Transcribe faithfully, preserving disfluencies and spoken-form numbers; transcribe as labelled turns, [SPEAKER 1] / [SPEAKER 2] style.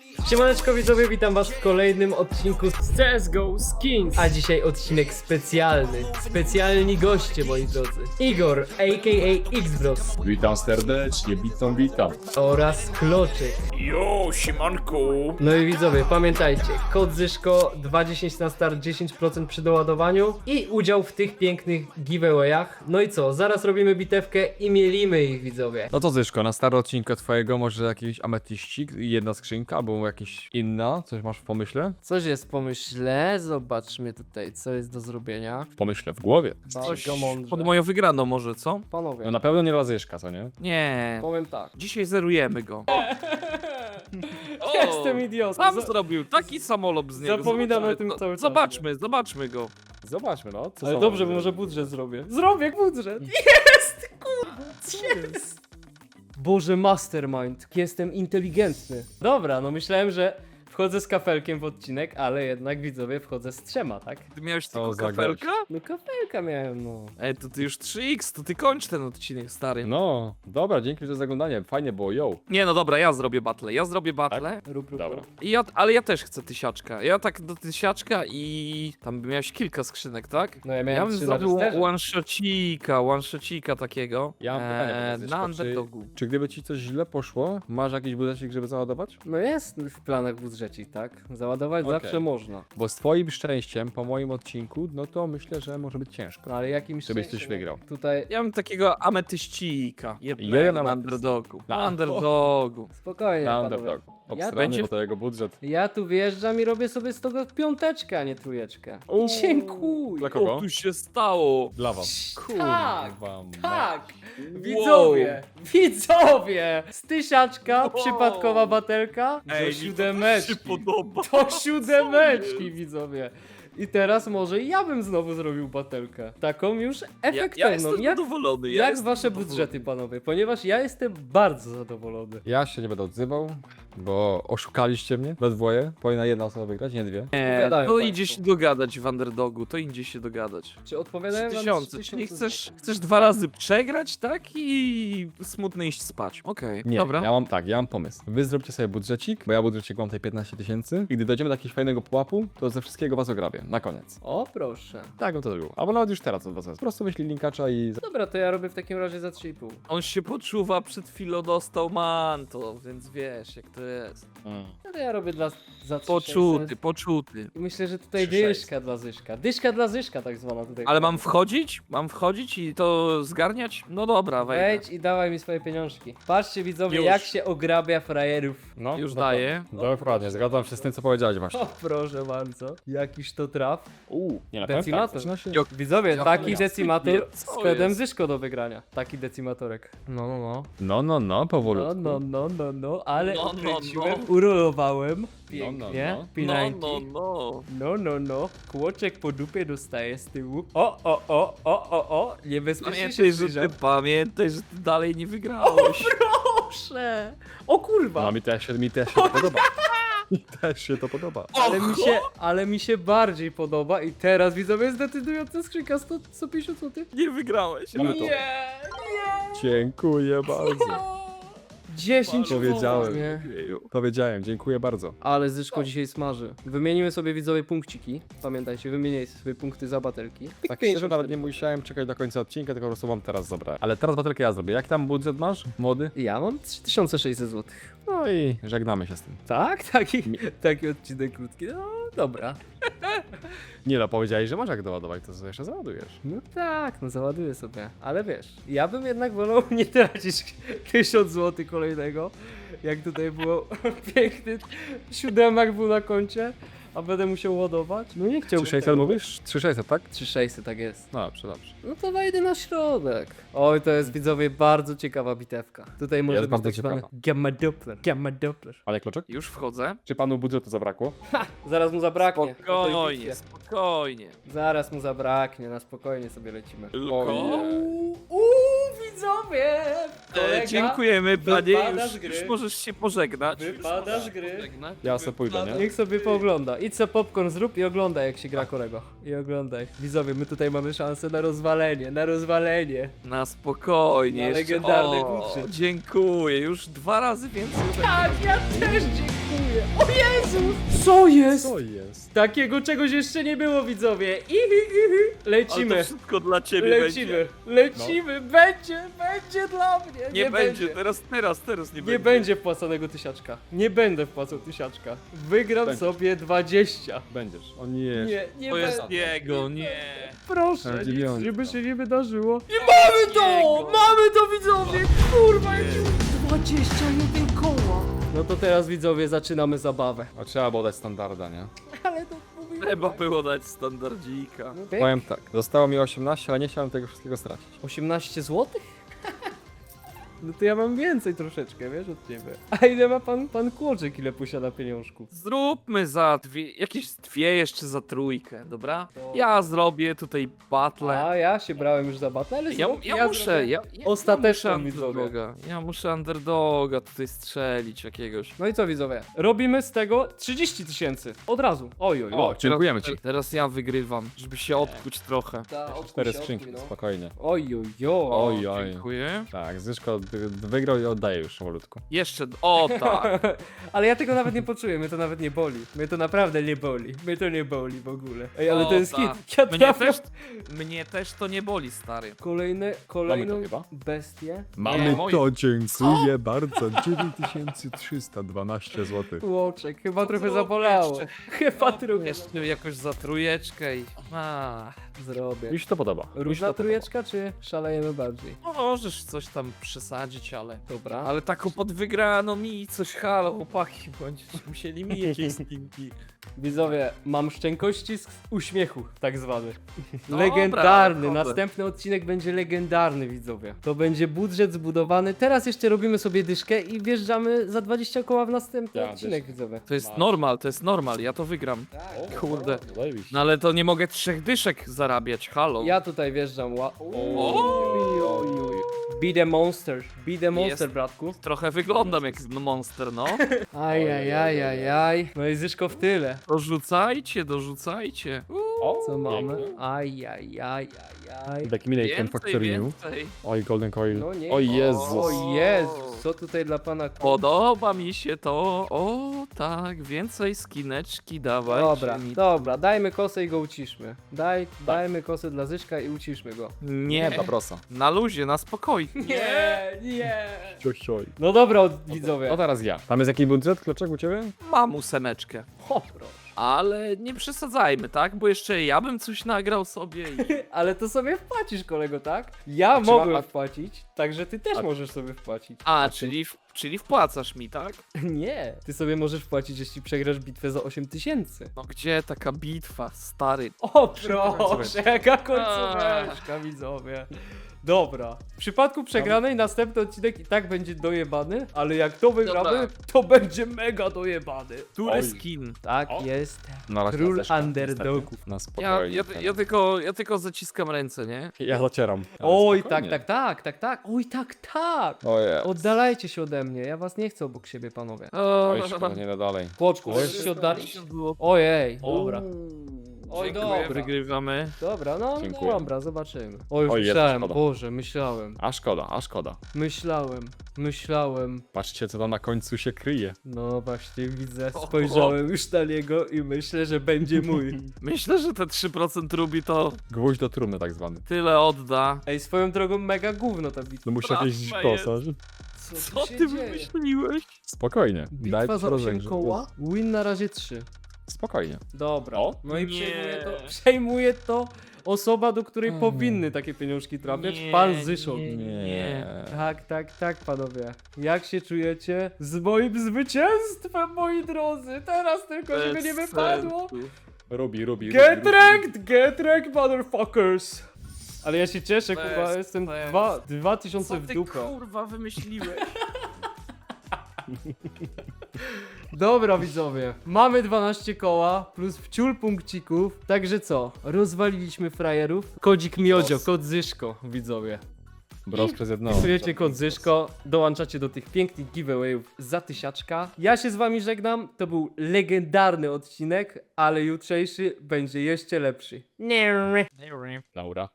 [SPEAKER 1] Siemaneczko widzowie, witam was w kolejnym odcinku z
[SPEAKER 2] C S G O Skins.
[SPEAKER 1] A dzisiaj odcinek specjalny. Specjalni goście, moi drodzy. Igor, a k a. Xbros
[SPEAKER 3] Witam serdecznie, witam, witam.
[SPEAKER 1] oraz Kloczek.
[SPEAKER 2] Jo, siemanku.
[SPEAKER 1] No i widzowie, pamiętajcie, kod Zyszko dwa dziesięć na start, dziesięć procent przy doładowaniu i udział w tych pięknych giveawayach. No i co, zaraz robimy bitewkę i mielimy ich, widzowie.
[SPEAKER 3] No to Zyszko, na stary odcinka twojego może jakiś ametyścik, jedna skrzynka, albo jakaś inna, coś masz w pomyśle?
[SPEAKER 1] Coś jest w pomyśle, zobaczmy tutaj, co jest do zrobienia.
[SPEAKER 3] W pomyśle, w głowie.
[SPEAKER 2] Coś
[SPEAKER 1] Bardzo mądrze.
[SPEAKER 2] pod moją wygraną może, co?
[SPEAKER 1] Panowie,
[SPEAKER 3] No na pewno nie dla Zyszka, co nie?
[SPEAKER 2] Nie.
[SPEAKER 1] powiem tak.
[SPEAKER 2] Dzisiaj zerujemy go. O,
[SPEAKER 1] Jestem idiotą.
[SPEAKER 2] Sam
[SPEAKER 1] Za-
[SPEAKER 2] zrobił taki samolot z niego.
[SPEAKER 1] Zapominam
[SPEAKER 2] Zobaczymy
[SPEAKER 1] o tym
[SPEAKER 2] to.
[SPEAKER 1] cały czas.
[SPEAKER 2] Zobaczmy, zobaczmy go.
[SPEAKER 3] Zobaczmy, no. Co
[SPEAKER 1] Ale
[SPEAKER 3] są-
[SPEAKER 1] dobrze, bo może budżet zrobię. Zrobię budżet! Jest! Kurwa, jest! Boże, mastermind, jestem inteligentny. Dobra, no myślałem, że wchodzę z kafelkiem w odcinek, ale jednak widzowie wchodzę z trzema, tak?
[SPEAKER 2] Ty miałeś
[SPEAKER 3] Co
[SPEAKER 2] tylko
[SPEAKER 3] za
[SPEAKER 2] kafelka?
[SPEAKER 1] No kafelka miałem, no.
[SPEAKER 2] Ej, to ty już trzy X, to ty kończ ten odcinek, stary.
[SPEAKER 3] No, dobra, dzięki za zaglądanie, fajnie było, yo.
[SPEAKER 2] Nie, no dobra, ja zrobię battle, ja zrobię battle.
[SPEAKER 1] Rób, rób,
[SPEAKER 3] Dobra.
[SPEAKER 1] rób.
[SPEAKER 2] I ja, ale ja też chcę tysiaczka. Ja tak do tysiaczka i tam miałeś kilka skrzynek, tak?
[SPEAKER 1] No ja
[SPEAKER 2] Ja
[SPEAKER 1] miałem
[SPEAKER 2] bym
[SPEAKER 1] trzy na
[SPEAKER 2] zrobił
[SPEAKER 1] testerze.
[SPEAKER 2] one shocika, one shocika takiego.
[SPEAKER 3] Ja mam pytanie
[SPEAKER 2] eee,
[SPEAKER 3] teraz, Zyszko,
[SPEAKER 2] na
[SPEAKER 3] czy-
[SPEAKER 2] underdogu.
[SPEAKER 3] Czy gdyby ci coś źle poszło, masz jakiś budżecik, żeby załadować?
[SPEAKER 1] No jest w planach budżecik, tak? Załadować
[SPEAKER 3] Okej.
[SPEAKER 1] zawsze można.
[SPEAKER 3] Bo z twoim szczęściem, po moim odcinku, no to myślę, że może być ciężko.
[SPEAKER 1] No ale jakimś
[SPEAKER 3] Żebyś
[SPEAKER 1] szczęściem,
[SPEAKER 3] coś wygrał.
[SPEAKER 1] Tutaj
[SPEAKER 2] Ja bym takiego ametyścika.
[SPEAKER 3] Jeden
[SPEAKER 2] Jednego na
[SPEAKER 3] ametyst.
[SPEAKER 2] underdogu.
[SPEAKER 3] Na-
[SPEAKER 2] Na underdogu.
[SPEAKER 1] spokojnie,
[SPEAKER 3] Na
[SPEAKER 1] panowie.
[SPEAKER 3] underdog.
[SPEAKER 1] Ja
[SPEAKER 3] Obstrany,
[SPEAKER 2] będzie-
[SPEAKER 3] bo to jego budżet.
[SPEAKER 1] Ja tu wjeżdżam i robię sobie z tego piąteczkę, a nie trójeczkę.
[SPEAKER 3] Uuu.
[SPEAKER 1] Dziękuję.
[SPEAKER 3] Dla kogo?
[SPEAKER 2] O, tu się stało.
[SPEAKER 3] Dla was.
[SPEAKER 1] Tak,
[SPEAKER 3] Kurwa,
[SPEAKER 1] tak. Widzowie, widzowie. Z tysiaczka,
[SPEAKER 2] Wow.
[SPEAKER 1] przypadkowa batelka, do
[SPEAKER 2] Ej, mi to
[SPEAKER 1] siódemeczki.
[SPEAKER 2] się podoba.
[SPEAKER 1] Do siódemeczki, widzowie. I teraz może ja bym znowu zrobił batelkę. Taką już
[SPEAKER 2] Ja, ja
[SPEAKER 1] efektywną.
[SPEAKER 2] jestem
[SPEAKER 1] jak
[SPEAKER 2] zadowolony. Ja
[SPEAKER 1] jak
[SPEAKER 2] jestem
[SPEAKER 1] wasze
[SPEAKER 2] zadowolony.
[SPEAKER 1] budżety, panowie? Ponieważ ja jestem bardzo zadowolony.
[SPEAKER 3] Ja się nie będę odzywał, bo oszukaliście mnie we dwoje. Powinna jedna osoba wygrać, nie dwie.
[SPEAKER 2] Nie,
[SPEAKER 1] Opowiadają
[SPEAKER 2] to
[SPEAKER 1] państwo.
[SPEAKER 2] idzie się dogadać w underdogu, to idzie się dogadać.
[SPEAKER 1] Czy odpowiadają
[SPEAKER 2] Trzy
[SPEAKER 1] wam
[SPEAKER 2] tysiące,
[SPEAKER 1] trzy
[SPEAKER 2] czyli
[SPEAKER 1] tysiące
[SPEAKER 2] chcesz, chcesz dwa razy przegrać, tak? I smutny iść spać. Okej,
[SPEAKER 3] Nie,
[SPEAKER 2] dobra.
[SPEAKER 3] ja mam tak, ja mam pomysł. Wy zróbcie sobie budżecik, bo ja budżecik mam tutaj piętnaście tysięcy. I gdy dojdziemy do jakiegoś fajnego pułapu, to ze wszystkiego was ograbię. Na koniec.
[SPEAKER 1] O, proszę.
[SPEAKER 3] Tak bym to zrobił. Albo nawet już teraz od was. Po prostu wyślij linkacza i...
[SPEAKER 1] Dobra, to ja robię w takim razie za trzy i pół.
[SPEAKER 2] On się poczuwa, przed chwilą dostał manto, więc wiesz jak to jest.
[SPEAKER 3] Mm.
[SPEAKER 1] No to ja robię dla, za trzy
[SPEAKER 2] Poczuty,
[SPEAKER 1] sześćset.
[SPEAKER 2] poczuty.
[SPEAKER 1] I myślę, że tutaj
[SPEAKER 3] trzy sześćset.
[SPEAKER 1] dyszka dla Zyszka. Dyszka dla Zyszka tak zwana tutaj.
[SPEAKER 2] Ale mam wchodzić? Mam wchodzić i to zgarniać? No dobra, wejdę.
[SPEAKER 1] Wejdź i dawaj mi swoje pieniążki. Patrzcie widzowie,
[SPEAKER 2] Już.
[SPEAKER 1] jak się ograbia frajerów.
[SPEAKER 3] No,
[SPEAKER 2] Już
[SPEAKER 3] dokładnie.
[SPEAKER 2] daję.
[SPEAKER 3] Dokładnie, zgadzam się z tym, co powiedziałeś właśnie.
[SPEAKER 1] O, proszę bardzo. Jakiś to traf.
[SPEAKER 3] Uuu, nie na
[SPEAKER 1] Decimator.
[SPEAKER 3] pewno. Zaczyna się...
[SPEAKER 2] Jo-
[SPEAKER 1] Widzowie,
[SPEAKER 2] Ja
[SPEAKER 1] taki
[SPEAKER 2] chuja.
[SPEAKER 1] decimator
[SPEAKER 2] Co
[SPEAKER 1] z kodem
[SPEAKER 2] jest?
[SPEAKER 1] Zyszko do wygrania. Taki decimatorek. No, no, no.
[SPEAKER 3] No, no, no,
[SPEAKER 1] No,
[SPEAKER 3] powolutku.
[SPEAKER 1] no, no, no, no, ale
[SPEAKER 2] No, no,
[SPEAKER 1] ukręciłem,
[SPEAKER 2] no.
[SPEAKER 1] urolowałem. Pięknie.
[SPEAKER 3] no.
[SPEAKER 1] P
[SPEAKER 2] No,
[SPEAKER 1] dziewięćdziesiąt.
[SPEAKER 2] no, no.
[SPEAKER 1] No, no, no. Kłoczek po dupie dostaje z tyłu. O, o, o, o, o, o. Niebezpiecznie się
[SPEAKER 2] Pamiętaj, że
[SPEAKER 1] zbliżam.
[SPEAKER 2] ty, pamiętaj, że ty dalej nie wygrałeś.
[SPEAKER 1] Proszę. O kurwa.
[SPEAKER 3] No, mi też, się- mi też się to podoba. Mi też się to podoba.
[SPEAKER 1] Ale mi się, ale mi się bardziej podoba i teraz widzowie jest decydująca skrzynka sto, sto pięćdziesiąt złotych.
[SPEAKER 2] Nie wygrałeś.
[SPEAKER 3] Mamy to.
[SPEAKER 1] Nie, nie.
[SPEAKER 3] Dziękuję bardzo.
[SPEAKER 1] dziesięć
[SPEAKER 3] Powiedziałem.
[SPEAKER 1] Nie.
[SPEAKER 3] Powiedziałem, dziękuję bardzo.
[SPEAKER 1] Ale Zyszko dzisiaj smaży. Wymienimy sobie widzowie punkciki. Pamiętajcie, wymieniajcie sobie punkty za batelki. Pik
[SPEAKER 3] Tak
[SPEAKER 1] pięć.
[SPEAKER 3] szczerze, nawet nie musiałem czekać do końca odcinka, tylko po prostu mam teraz zabrać. Ale teraz batelkę ja zrobię. Jak tam budżet masz, młody?
[SPEAKER 1] Ja mam trzy tysiące sześćset złotych.
[SPEAKER 3] No i żegnamy się z tym.
[SPEAKER 1] Tak? Taki, taki odcinek krótki. No dobra.
[SPEAKER 3] Nie no, powiedziałeś, że masz jak doładować, to co jeszcze załadujesz.
[SPEAKER 1] No tak, no załaduję sobie. Ale wiesz, ja bym jednak wolał nie tracić tysiąc złotych kolejnego. Jak tutaj było piękny siódemak był na koncie, a będę musiał ładować. No nie chciałbym
[SPEAKER 3] trzy sześćset
[SPEAKER 1] tego.
[SPEAKER 3] mówisz? trzy tysiące sześćset, tak?
[SPEAKER 1] trzy tysiące sześćset, tak jest.
[SPEAKER 3] No dobrze, dobrze.
[SPEAKER 1] No to wejdę na środek. Oj, to jest widzowie bardzo ciekawa bitewka. Tutaj może być
[SPEAKER 3] bardzo
[SPEAKER 1] tak zwany
[SPEAKER 3] ciekawa.
[SPEAKER 1] gamma doppler. Gamma doppler.
[SPEAKER 3] Ale Kloczek?
[SPEAKER 2] Już wchodzę.
[SPEAKER 3] Czy panu budżetu zabrakło?
[SPEAKER 1] Zaraz mu zabraknie.
[SPEAKER 2] Spokojnie, spokojnie.
[SPEAKER 1] Zaraz mu zabraknie, na spokojnie sobie lecimy.
[SPEAKER 2] Tylko...
[SPEAKER 1] Uuu, uuu, widzowie! Kolega
[SPEAKER 2] E, dziękujemy, panie.
[SPEAKER 1] wypada z
[SPEAKER 2] Już,
[SPEAKER 1] gry.
[SPEAKER 2] już możesz się pożegnać.
[SPEAKER 1] Wypada
[SPEAKER 2] Już
[SPEAKER 1] z
[SPEAKER 2] możesz
[SPEAKER 1] gry.
[SPEAKER 2] się pożegnać.
[SPEAKER 3] Ja sobie pójdę, nie?
[SPEAKER 1] Niech sobie poogląda. Idź sobie popcorn zrób i oglądaj jak się gra kolego. I oglądaj. Widzowie, my tutaj mamy szansę na rozwalenie, na rozwalenie.
[SPEAKER 2] Na spokojnie.
[SPEAKER 1] Na
[SPEAKER 2] jeszcze-
[SPEAKER 1] legendarny
[SPEAKER 2] o,
[SPEAKER 1] budżet.
[SPEAKER 2] dziękuję. Już dwa razy więcej. ode mnie.
[SPEAKER 1] Tak, ja też dziękuję. dziękuję. O Jezus! Co jest?
[SPEAKER 3] Co jest?
[SPEAKER 1] Takiego czegoś jeszcze nie było, widzowie. Ihi, ihi.
[SPEAKER 2] Ale
[SPEAKER 1] Lecimy.
[SPEAKER 2] to wszystko dla ciebie
[SPEAKER 1] Lecimy, lecimy, będzie, będzie dla mnie.
[SPEAKER 2] będzie. Nie, będzie, teraz, teraz, teraz nie,
[SPEAKER 1] Nie
[SPEAKER 2] będzie.
[SPEAKER 1] będzie wpłaconego tysiaczka. Nie będę wpłacał tysiaczka. Wygram
[SPEAKER 3] Będzie.
[SPEAKER 1] sobie dwadzieścia.
[SPEAKER 3] Będziesz. O nie.
[SPEAKER 1] Nie, nie
[SPEAKER 2] To jest
[SPEAKER 1] będę.
[SPEAKER 2] jego, nie.
[SPEAKER 1] Proszę,
[SPEAKER 3] Ale
[SPEAKER 1] nic,
[SPEAKER 3] dziewiątka.
[SPEAKER 1] żeby się nie wydarzyło. I mamy to!
[SPEAKER 2] Jego.
[SPEAKER 1] Mamy to, widzowie! Kurwa, jakie dwadzieścia jeden koła. No to teraz, widzowie, zaczynamy zabawę.
[SPEAKER 3] A trzeba było dać standarda, nie?
[SPEAKER 1] Ale to mówię.
[SPEAKER 2] Trzeba było dać standardzika.
[SPEAKER 3] Powiem tak, zostało mi osiemnaście, ale nie chciałem tego wszystkiego stracić.
[SPEAKER 1] osiemnaście złotych? No to ja mam więcej troszeczkę, wiesz, od ciebie. A ile ma pan, pan Kłoczek, ile posiada pieniążków?
[SPEAKER 2] Zróbmy za dwie, jakieś dwie jeszcze za trójkę, dobra?
[SPEAKER 1] To-
[SPEAKER 2] Ja zrobię tutaj battle.
[SPEAKER 1] A ja się brałem już za battle, ale
[SPEAKER 2] Ja,
[SPEAKER 1] zrób-
[SPEAKER 2] ja, muszę,
[SPEAKER 1] zrobię
[SPEAKER 2] ja, ja,
[SPEAKER 1] ostateczną,
[SPEAKER 2] ja muszę
[SPEAKER 1] widzowie.
[SPEAKER 2] underdoga. Ja muszę underdoga tutaj strzelić jakiegoś.
[SPEAKER 1] No i co, widzowie? Robimy z tego trzydzieści tysięcy. Od razu. Oj, oj,
[SPEAKER 3] O,
[SPEAKER 1] oj.
[SPEAKER 3] dziękujemy
[SPEAKER 2] teraz,
[SPEAKER 3] ci.
[SPEAKER 2] Teraz ja wygrywam, żeby się odkuć trochę.
[SPEAKER 3] Cztery skrzynki, spokojnie.
[SPEAKER 1] Oj, oj, oj.
[SPEAKER 3] Oj, oj.
[SPEAKER 2] Dziękuję.
[SPEAKER 3] Tak, Zyszko d- d- wygrał i oddaje już powolutku.
[SPEAKER 2] Jeszcze, o tak.
[SPEAKER 1] Ale ja tego nawet nie poczuję, mnie to nawet nie boli. Mnie to naprawdę nie boli. Mnie to nie boli w ogóle. Ej, ale
[SPEAKER 2] O,
[SPEAKER 1] to jest
[SPEAKER 2] tak.
[SPEAKER 1] hit. Ja
[SPEAKER 2] Mnie
[SPEAKER 1] trafiam.
[SPEAKER 2] też, mnie też to nie boli, stary.
[SPEAKER 1] Kolejne, kolejną
[SPEAKER 3] Mamy to chyba?
[SPEAKER 1] bestię.
[SPEAKER 2] Mamy moje-
[SPEAKER 3] to, dziękuję bardzo. dziewięć tysięcy trzysta dwanaście złotych.
[SPEAKER 1] Łoczek, chyba trochę
[SPEAKER 2] zrób
[SPEAKER 1] zabolało.
[SPEAKER 2] jeszcze.
[SPEAKER 1] Chyba trochę.
[SPEAKER 2] Jeszcze jakoś za trójeczkę i... A,
[SPEAKER 1] Zrobię.
[SPEAKER 3] Mi się to podoba. Mi się
[SPEAKER 1] Różna
[SPEAKER 3] to
[SPEAKER 1] trójeczka, czy szalejemy bardziej?
[SPEAKER 2] możesz coś tam przesadzić, ale...
[SPEAKER 1] Dobra.
[SPEAKER 2] Ale taką pod wygraną mi coś, halo, chłopaki, będziecie musieli mi jakieś stinki.
[SPEAKER 1] Widzowie, mam szczękościsk uśmiechu, tak zwany.
[SPEAKER 2] Dobra,
[SPEAKER 1] Legendarny,
[SPEAKER 2] dobra.
[SPEAKER 1] następny odcinek będzie legendarny, widzowie. To będzie budżet zbudowany. Teraz jeszcze robimy sobie dyszkę i wjeżdżamy za dwadzieścia koła w następny
[SPEAKER 3] Ja,
[SPEAKER 1] odcinek,
[SPEAKER 3] dyszkę.
[SPEAKER 1] widzowie.
[SPEAKER 2] To jest normal, to jest normal, ja to wygram.
[SPEAKER 1] Tak.
[SPEAKER 2] Kurde.
[SPEAKER 3] Zajebiście.
[SPEAKER 2] No ale to nie mogę trzech dyszek zarabiać, halo.
[SPEAKER 1] Ja tutaj wjeżdżam. Ła...
[SPEAKER 2] O.
[SPEAKER 1] Oj, oj, oj. Be the monster, be the monster,
[SPEAKER 2] Jest.
[SPEAKER 1] bratku.
[SPEAKER 2] Trochę wyglądam jak monster, no.
[SPEAKER 1] Ajajajajaj. No i Zyszko w tyle.
[SPEAKER 2] Dorzucajcie, dorzucajcie.
[SPEAKER 3] O,
[SPEAKER 1] Co mamy?
[SPEAKER 3] pięknie.
[SPEAKER 1] Ajajajajaj.
[SPEAKER 3] Taki minute ten
[SPEAKER 2] Więcej,
[SPEAKER 3] Factory New.
[SPEAKER 2] więcej.
[SPEAKER 3] Oj, Golden Coil.
[SPEAKER 1] No nie.
[SPEAKER 3] O Jezus.
[SPEAKER 1] O Jezus, co tutaj dla pana...
[SPEAKER 2] Podoba mi się to. O tak, więcej skineczki dawaj.
[SPEAKER 1] Dobra,
[SPEAKER 2] Mi...
[SPEAKER 1] dobra, dajmy kosę i go uciszmy. Daj, dajmy kosę dla Zyszka i uciszmy go.
[SPEAKER 2] Nie,
[SPEAKER 3] Dla prosa.
[SPEAKER 2] na luzie, na spokojnie.
[SPEAKER 1] Nie, nie.
[SPEAKER 3] Ciocioj.
[SPEAKER 1] No dobra, od- widzowie.
[SPEAKER 3] O, teraz ja. Tam jest jakiś budżet, Kloczek, u ciebie?
[SPEAKER 2] Mam ósemeczkę.
[SPEAKER 1] O, proszę.
[SPEAKER 2] Ale nie przesadzajmy, tak? Bo jeszcze ja bym coś nagrał sobie i...
[SPEAKER 1] Ale to sobie wpłacisz, kolego, tak? Ja
[SPEAKER 3] A czy
[SPEAKER 1] mogłem
[SPEAKER 3] ma- a-
[SPEAKER 1] wpłacić, także ty też
[SPEAKER 3] A-
[SPEAKER 1] możesz sobie wpłacić.
[SPEAKER 2] A, czyli, w, czyli wpłacasz mi, tak?
[SPEAKER 1] Nie, ty sobie możesz wpłacić, jeśli przegrasz bitwę za osiem tysięcy.
[SPEAKER 2] No gdzie taka bitwa, stary?
[SPEAKER 1] O proszę, jaka końcóweczka, widzowie. Dobra, w przypadku przegranej następny odcinek i tak będzie dojebany, ale jak to wygramy,
[SPEAKER 2] Dobra.
[SPEAKER 1] to będzie mega dojebany.
[SPEAKER 2] Który
[SPEAKER 3] Oj.
[SPEAKER 2] skin?
[SPEAKER 1] Tak
[SPEAKER 3] O.
[SPEAKER 1] jest.
[SPEAKER 3] Na razie
[SPEAKER 1] Król
[SPEAKER 3] Zyszka,
[SPEAKER 1] underdogów.
[SPEAKER 3] niestety. Na
[SPEAKER 2] Ja,
[SPEAKER 3] spokojnie.
[SPEAKER 2] ja, ja, tylko, ja tylko zaciskam ręce, nie?
[SPEAKER 3] ja zacieram. Ale
[SPEAKER 1] Oj, tak,
[SPEAKER 3] spokojnie.
[SPEAKER 1] tak, tak, tak, tak. Oj, tak, tak.
[SPEAKER 3] Ojej.
[SPEAKER 1] Oddalajcie się ode mnie, ja was nie chcę obok siebie, panowie.
[SPEAKER 3] Oj, szkoda, nie da dalej.
[SPEAKER 1] Kłoczku,
[SPEAKER 3] Oj,
[SPEAKER 1] chcesz się oddalić?
[SPEAKER 2] pięćdziesiąt było.
[SPEAKER 1] Ojej, dobra. Oj,
[SPEAKER 2] Dziękuję,
[SPEAKER 1] dobra.
[SPEAKER 2] Wygrywamy.
[SPEAKER 1] Dobra, no
[SPEAKER 3] Dziękuję.
[SPEAKER 1] dobra, zobaczymy. Oj,
[SPEAKER 3] Oj, jest
[SPEAKER 1] myślałem,
[SPEAKER 3] szkoda.
[SPEAKER 1] Boże, myślałem,
[SPEAKER 3] A szkoda, a szkoda.
[SPEAKER 1] myślałem, myślałem.
[SPEAKER 3] Patrzcie, co tam na końcu się kryje.
[SPEAKER 1] No właśnie widzę,
[SPEAKER 2] O,
[SPEAKER 1] spojrzałem już na niego i myślę, że będzie mój.
[SPEAKER 2] Myślę, że te trzy procent rubi to
[SPEAKER 3] Gwóźdź do trumny tak zwany.
[SPEAKER 2] tyle odda.
[SPEAKER 1] Ej, swoją drogą mega gówno ta bitwa.
[SPEAKER 3] No musi
[SPEAKER 2] Prawda
[SPEAKER 3] jakieś
[SPEAKER 2] jest.
[SPEAKER 3] kosarz.
[SPEAKER 1] Co,
[SPEAKER 2] Co
[SPEAKER 1] tu się
[SPEAKER 2] ty
[SPEAKER 1] dzieje?
[SPEAKER 2] wymyśliłeś?
[SPEAKER 3] Spokojnie.
[SPEAKER 1] Bitwa
[SPEAKER 3] Daj
[SPEAKER 1] za osiem
[SPEAKER 3] rozejrzeć.
[SPEAKER 1] koła, win na razie trzy.
[SPEAKER 3] Spokojnie.
[SPEAKER 1] Dobra.
[SPEAKER 3] O.
[SPEAKER 1] No i
[SPEAKER 2] Nie.
[SPEAKER 1] przejmuje to, przejmuje to osoba, do której
[SPEAKER 3] Mm.
[SPEAKER 1] powinny takie pieniążki trafiać,
[SPEAKER 2] Nie,
[SPEAKER 1] pan Zyszok.
[SPEAKER 2] nie,
[SPEAKER 3] Nie.
[SPEAKER 1] Tak, tak, tak, panowie. Jak się czujecie z moim zwycięstwem, moi drodzy? Teraz tylko, żeby nie
[SPEAKER 2] Bez
[SPEAKER 1] wypadło.
[SPEAKER 2] sensu.
[SPEAKER 3] Robi, robi,
[SPEAKER 1] Get
[SPEAKER 3] robi,
[SPEAKER 1] wrecked, get wrecked, motherfuckers! Ale ja się cieszę,
[SPEAKER 2] Bez
[SPEAKER 1] kurwa, jestem
[SPEAKER 2] sensu.
[SPEAKER 1] dwa, dwa tysiące
[SPEAKER 2] Co
[SPEAKER 1] w
[SPEAKER 2] ty
[SPEAKER 1] dupę.
[SPEAKER 2] kurwa wymyśliłeś?
[SPEAKER 1] Dobra, widzowie, mamy dwanaście koła plus wciul punkcików, także co? Rozwaliliśmy frajerów. Kodzik Miodzio, kod Zyszko, widzowie.
[SPEAKER 3] Bros przez jedną.
[SPEAKER 1] Wpisujecie kod Zyszko, dołączacie do tych pięknych giveawayów za tysiaczka. Ja się z wami żegnam, to był legendarny odcinek, ale jutrzejszy będzie jeszcze lepszy. Nie.
[SPEAKER 3] Laura.